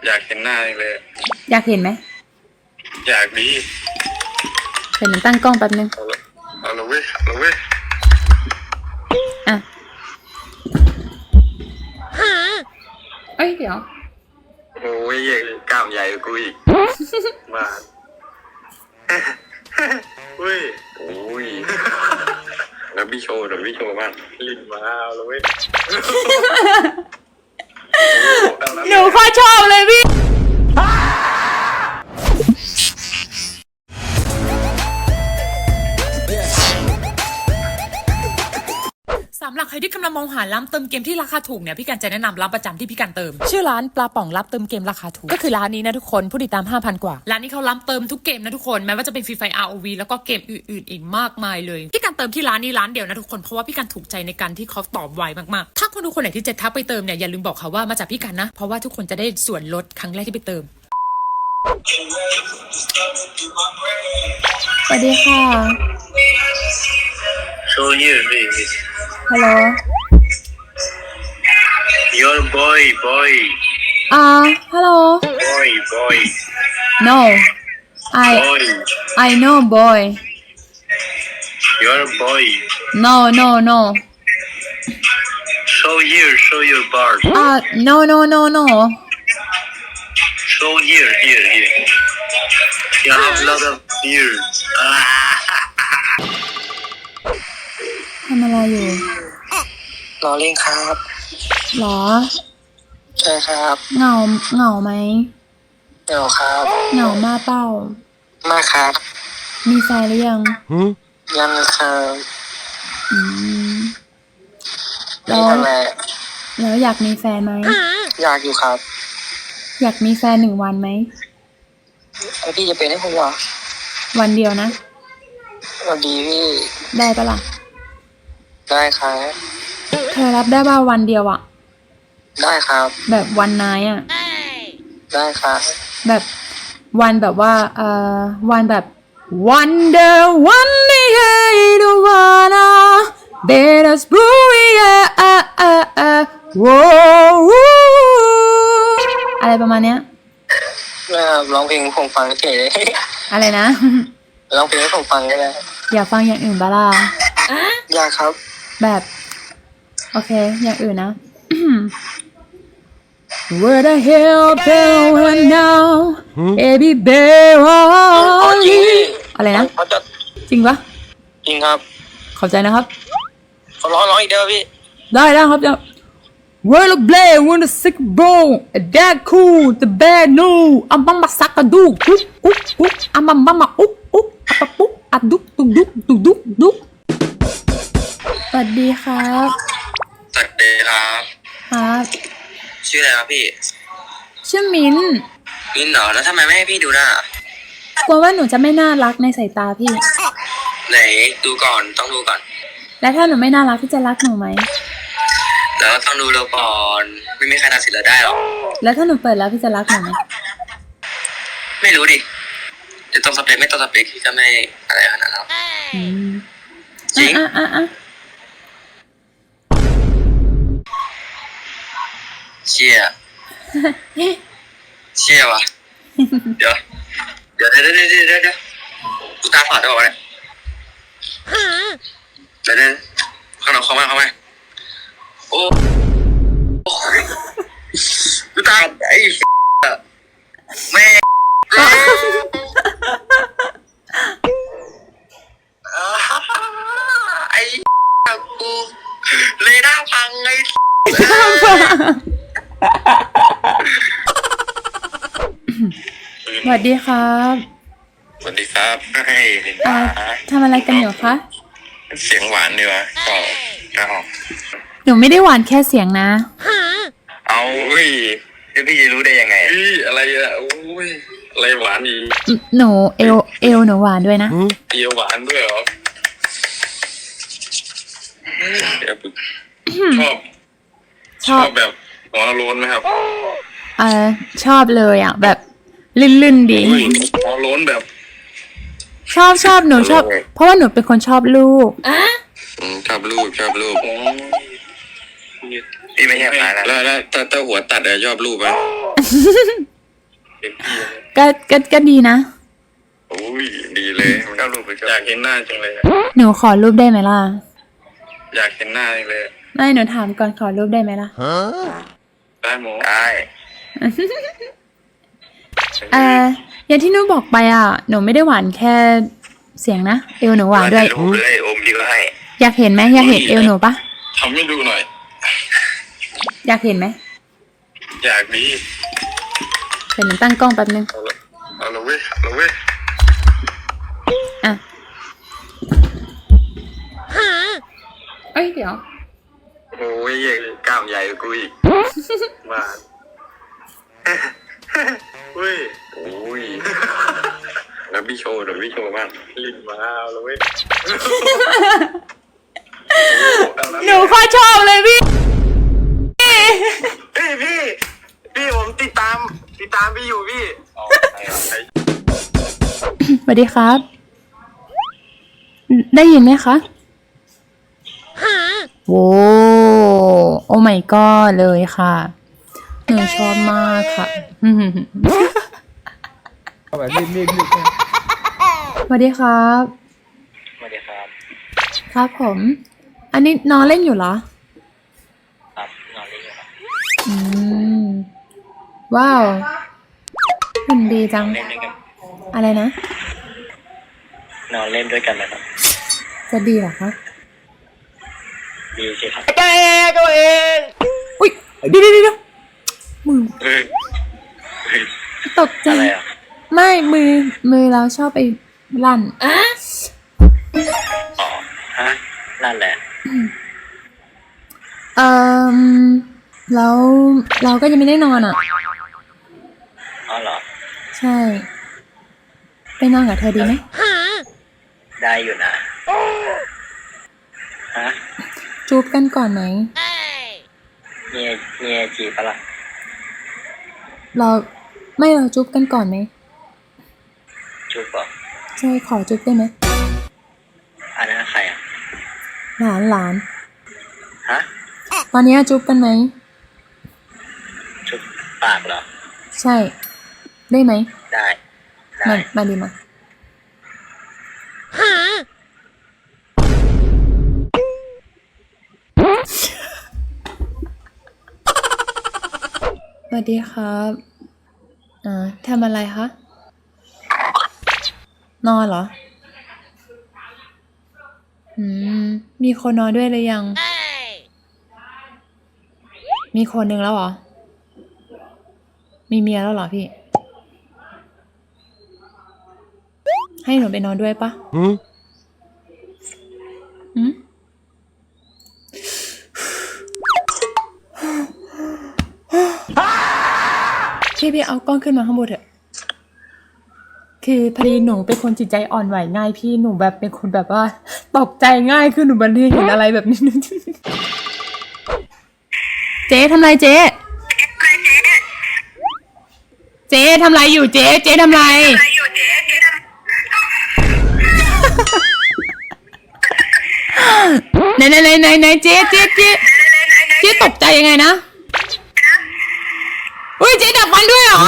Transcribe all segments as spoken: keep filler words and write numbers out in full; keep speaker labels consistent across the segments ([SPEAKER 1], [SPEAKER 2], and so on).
[SPEAKER 1] อยากเห็นหน้าเลย
[SPEAKER 2] อยากเห็นไหม
[SPEAKER 1] อยากดี
[SPEAKER 2] เป็นหนูตั้งกล้องแป๊บนึง
[SPEAKER 1] เอาละเว้ยเอาละเว้ย
[SPEAKER 2] อ่ะเอ้ยเดี๋ยว
[SPEAKER 1] โอ้ยกล้ามใหญ่กว่ากูอีกมาเฮ้ยโอ้ยแล้วพี่โชว์เดี๋ยวพี่โชว์บ้างลิ้นมาเอาละเว้ย
[SPEAKER 2] หนูข้อชอบเลยพี่สำหรับใครที่กำลังมองหาร้านเติมเกมที่ราคาถูกเนี่ยพี่กันจะแนะนำร้านประจำที่พี่กันเติมชื่อร้านปลาป่องรับเติมเกมราคาถูกก็คือร้านนี้นะทุกคนผู้ติดตาม ห้าพัน กว่าร้านนี้เขารับเติมทุกเกมนะทุกคนแม้ว่าจะเป็นฟรีไฟ อาร์ โอ วี แล้วก็เกมอื่นๆอีกมากมายเลยพี่กันเติมที่ร้านนี้ร้านเดียวนะทุกคนเพราะว่าพี่กันถูกใจในการที่เขาตอบไวมากๆถ้าคนทุกคนไหนที่จะทักไปเติมเนี่ยอย่าลืมบอกเขาว่ามาจากพี่กันนะเพราะว่าทุกคนจะได้ส่วนลดครั้งแรกที่ไปเติมสวัสดีค่ะ
[SPEAKER 1] So here baby
[SPEAKER 2] Hello
[SPEAKER 1] Your boy boy
[SPEAKER 2] Uh hello
[SPEAKER 1] Boy boy
[SPEAKER 2] No I
[SPEAKER 1] Boy
[SPEAKER 2] I know boy
[SPEAKER 1] Your boy
[SPEAKER 2] No no no
[SPEAKER 1] Show here show your bars
[SPEAKER 2] Uh no no no no
[SPEAKER 1] Show here here here You have a lot of here
[SPEAKER 2] ทำอะไรอยู่
[SPEAKER 1] รอเล่นครับ
[SPEAKER 2] หรอ
[SPEAKER 1] ใช่ครับ
[SPEAKER 2] เหงาเหงาไหม
[SPEAKER 1] เหงาครับ
[SPEAKER 2] เหงามากเปล่า
[SPEAKER 1] มาครับ
[SPEAKER 2] มีแฟนหรือยัง
[SPEAKER 1] ยังครับ
[SPEAKER 2] อืมแล้วแล้วอยากมีแฟนไหม
[SPEAKER 1] อยากอยู่ครับ
[SPEAKER 2] อยากมีแฟนหนึ่งวันไหม
[SPEAKER 1] แล้วพี่จะเป็นให้ผมเหรอ
[SPEAKER 2] วันเดียวนะ
[SPEAKER 1] วันดีพี่
[SPEAKER 2] ได้ปะล่ะ
[SPEAKER 1] ได้ครับ
[SPEAKER 2] เธอรับได้ป่ะวันเดียวอะ
[SPEAKER 1] ได้ครับ
[SPEAKER 2] แบบวันนายอะ
[SPEAKER 1] ได้ครับ
[SPEAKER 2] แบบวันแบบว่าเอ่อวันแบบ Wonder one day I don't wanna let us blue yeah uh uh uh whoa อะไรประมาณเนี้ย
[SPEAKER 1] ร้องเพลงผมฟังเฉยเลย
[SPEAKER 2] อะไรนะ
[SPEAKER 1] ร้องเพลงให้ผมฟังก็ได้
[SPEAKER 2] อยากฟังอย่างอื่นบ้าล่ะ
[SPEAKER 1] อยากครับ
[SPEAKER 2] แบบโอเคอย่างอื่นนะ Where the hell going now baby baby อะไรนะจริงปะ
[SPEAKER 1] จริงครับ
[SPEAKER 2] ขอบใจนะครับ
[SPEAKER 1] เขาร้องร้องอีกเดียวพี่
[SPEAKER 2] ได้ได้ครับ Where the blade when the sick bone that cool the bad news อัมบัมมาสักกระดูกอุ๊บอุ๊บอุ๊บอัมบัมบัมมาอุ๊บอุ๊บอัปปะปุ๊บอัดดุกดุกดุกดุกดุกดุกสวัสดีครับ
[SPEAKER 1] สวัสดีครับ
[SPEAKER 2] ครับ
[SPEAKER 1] ชื่ออะไรครับพี่
[SPEAKER 2] ชื่อมิ้น
[SPEAKER 1] มิ้นเหรอแล้วทำไมไม่ให้พี่ดูหน้าก
[SPEAKER 2] ลัวว่าหนูจะไม่น่ารักในสายตาพี่
[SPEAKER 1] ไหนดูก่อนต้องดูก่อน
[SPEAKER 2] แล้วถ้าหนูไม่น่ารักพี่จะรักหนูไหม
[SPEAKER 1] แล้วต้องดูเราก่อนไม่มีใครตัดสินเราได้หรอก
[SPEAKER 2] แล้วถ้าหนูเปิดแล้วพี่จะรักหนูไหม
[SPEAKER 1] ไม่รู้ดิจะต้องสเปคไม่ต้องสเปคพี่ก็ไม่อะไรขนาดนั้นหรอกจริง
[SPEAKER 2] อ่ะอ่ะอ่ะ
[SPEAKER 1] เชี่ยเชี่ยวะเดี๋ยวเดี๋ยวเดี๋ยวเดี๋ยวเดี๋ยวเดี๋ยวกูตาฝาดได้ป่าวเนี่ยเดี๋ยวเดี๋ยวข้างนอกเข้ามาเข้ามาโอ้กูตาไอ้แม่ไอ้กูเลด้าพังไอ้
[SPEAKER 2] สวัสดีครับ
[SPEAKER 1] สวัสดีครับให้ลินดา
[SPEAKER 2] ทำอะไรกันอยู่คะ
[SPEAKER 1] เสียงหวานดีวะก็เอา
[SPEAKER 2] หนูไม่ได้หวานแค่เสียงนะ
[SPEAKER 1] เอาอุ้ยแล้วพี่จะรู้ได้ยังไงอุ้ยอะไรอะโอ้ยอะไรหวานอี
[SPEAKER 2] หนูเอวเอวหนูหวานด้วยนะ
[SPEAKER 1] เอวหวานด้วยเหรอชอบชอบแบบหัวโล้นไหมครับ
[SPEAKER 2] เออชอบเลยอ่ะแบบลื่นๆดี
[SPEAKER 1] หัวโล้นแบบ
[SPEAKER 2] ชอบชอบหนูชอบเพราะว่าหนูเป็นคนชอบลูกอ่ะ
[SPEAKER 1] ชอบลูกชอบลูกพี่ไม่ใช่หมาแล้วแล้วถ้าถ้าหัวตัดอะชอบลูกไหม
[SPEAKER 3] เห็นพี่เลย
[SPEAKER 2] ก็ก็ก็ดีนะ
[SPEAKER 3] โอ้ยดีเลยมันก็รูปไปอยากเห็นหน้าจังเลย
[SPEAKER 2] หนูขอรูปได้ไหมล่ะ
[SPEAKER 3] อยากเห็นหน้าจังเลย
[SPEAKER 2] ไม่หนูถามก่อนขอรูปได้ไหมล่ะ
[SPEAKER 3] ได้หมอได้
[SPEAKER 2] เอ่ออย่างที่หนูบอกไปอ่ะ หนูไม่ได้หวานแค่เสียงนะเอวหนูหวานด้วย
[SPEAKER 3] รูปเลยอมดีก็ให้
[SPEAKER 2] อยากเห็นไหมอยากเห็นเอวหนูปะ
[SPEAKER 3] ทำให้ดูหน่อย
[SPEAKER 2] อยากเห็นไหม
[SPEAKER 3] อยากดี
[SPEAKER 2] เดี๋ยวหนูตั้งกล้องแป๊บนึง
[SPEAKER 3] เอาละเอาละเว้ยเอาละเว้ย
[SPEAKER 2] อ่ะเอ้ยเดี๋ยว
[SPEAKER 3] โอ้ยกล้ามใหญ่กว่ากูอีกมาเฮ้ยโอ้ยแล้วพี่โชว์เดี๋ยวพี่โชว์บ้างลิ้นมาเอาละเว้ย
[SPEAKER 2] หนูข้อชอบเลยพี่
[SPEAKER 3] พี่พี่พี่ผมติดตามติดตามพี่อยู่พี่
[SPEAKER 2] สวัสดีครับ ได้ยินไหมคะโว้โอ้ my god เลยค่ะ หนูชอบมากค่ะ
[SPEAKER 4] แบบรีบรีบรีบ
[SPEAKER 2] สวัสดีครับ
[SPEAKER 1] สวัสดีครับ
[SPEAKER 2] ครับผม อันนี้นอนเล่นอยู่เหรอ
[SPEAKER 1] ครับนอนเล่นอยู่ครับ
[SPEAKER 2] อืม ว้าวหุ่นดีจัง
[SPEAKER 1] เล่นด้วยกัน
[SPEAKER 2] อะไรนะ
[SPEAKER 1] นอนเล่นด้วยกันไหมครับ
[SPEAKER 2] จะดีเหรอคะ
[SPEAKER 1] ดีสิครับ
[SPEAKER 2] อุ้ยเดี๋ยวเดี๋ยวเดี๋ยวมือ
[SPEAKER 3] เฮ้ย
[SPEAKER 2] ตกใจ
[SPEAKER 1] อะไรอ่ะ
[SPEAKER 2] ไม่มือ มือเราชอบไปลั่น
[SPEAKER 1] อ๋อฮะนั่นแหละ
[SPEAKER 2] เอ่อแล้วเราก็ยังไม่ได้นอนอ่ะ
[SPEAKER 1] อ๋อเหรอ
[SPEAKER 2] ใช่ ไปนอนกับเธอดีไหม
[SPEAKER 1] ได้อยู่นะฮะ
[SPEAKER 2] จูบกันก่อนไหม
[SPEAKER 1] มีมีไอจีปะล่ะ
[SPEAKER 2] เราไม่เราจูบกันก่อนไหม
[SPEAKER 1] จุ๊บบอก
[SPEAKER 2] ใช่ขอจูบได้ไหม
[SPEAKER 1] อันนั้นใครอ่ะ
[SPEAKER 2] หลานหลาน
[SPEAKER 1] ฮะ
[SPEAKER 2] ตอนนี้จูบกันไหม
[SPEAKER 1] จุ๊บปากเหรอ
[SPEAKER 2] ใช่ ได้ไหม
[SPEAKER 1] ได้ได้
[SPEAKER 2] มามาดีมาสวัสดีครับอ่าทำอะไรคะ นอนเหรอ อืม มีคนนอนด้วยหรือยัง มีคนหนึ่งแล้วเหรอ มีเมียแล้วเหรอพี่ ให้หนูไปนอนด้วยปะอืมอืมพี่พี่เอากล้องขึ้นมาข้างบนเถอะ คือพอดีหนูเป็นคนจิตใจอ่อนไหวง่ายพี่หนูแบบเป็นคนแบบว่าตกใจง่ายคือหนูบันทีเห็นอะไรแบบนี้ เจ๊ทำไรเจ๊เจ๊ทำไรอยู่เจ๊เจ๊ทำไรไหนไหนไหนไหนไหนเจ๊เจ๊เจ๊เจ๊ตกใจยังไงนะอุ้ยเจ๊ดับฟันด้วยเหรอ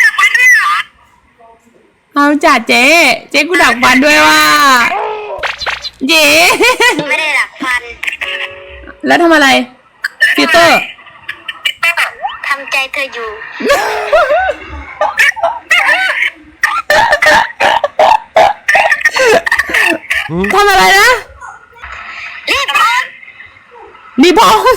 [SPEAKER 2] เอาจัดเจ๊เจ๊กูดับฟันด้วยว่าเจ๊
[SPEAKER 5] ไม่ได้ดักฟัน
[SPEAKER 2] แล้วทำอะไรฟิลเตอร์
[SPEAKER 5] ทำใจเธออยู่
[SPEAKER 2] ทำอะไรนะ
[SPEAKER 5] รีบพอน
[SPEAKER 2] นี่พอง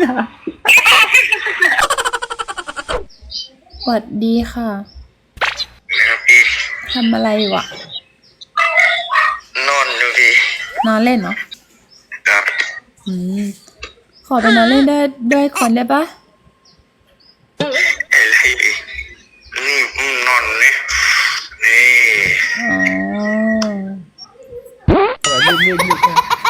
[SPEAKER 2] สวัสดีค่ะ
[SPEAKER 3] นะครับพี่
[SPEAKER 2] ทำอะไรอยู่อะ
[SPEAKER 3] นอนดูพี่
[SPEAKER 2] นอนเล่นเหรอ
[SPEAKER 3] ครับ
[SPEAKER 2] อืม ขอไปนอนเล่นได้ด้วยคนได้ปะ
[SPEAKER 3] ไอ้พี่นี่อืมนอนนี่นี่
[SPEAKER 2] อ๋อ
[SPEAKER 4] แบบรีบรีบรีบ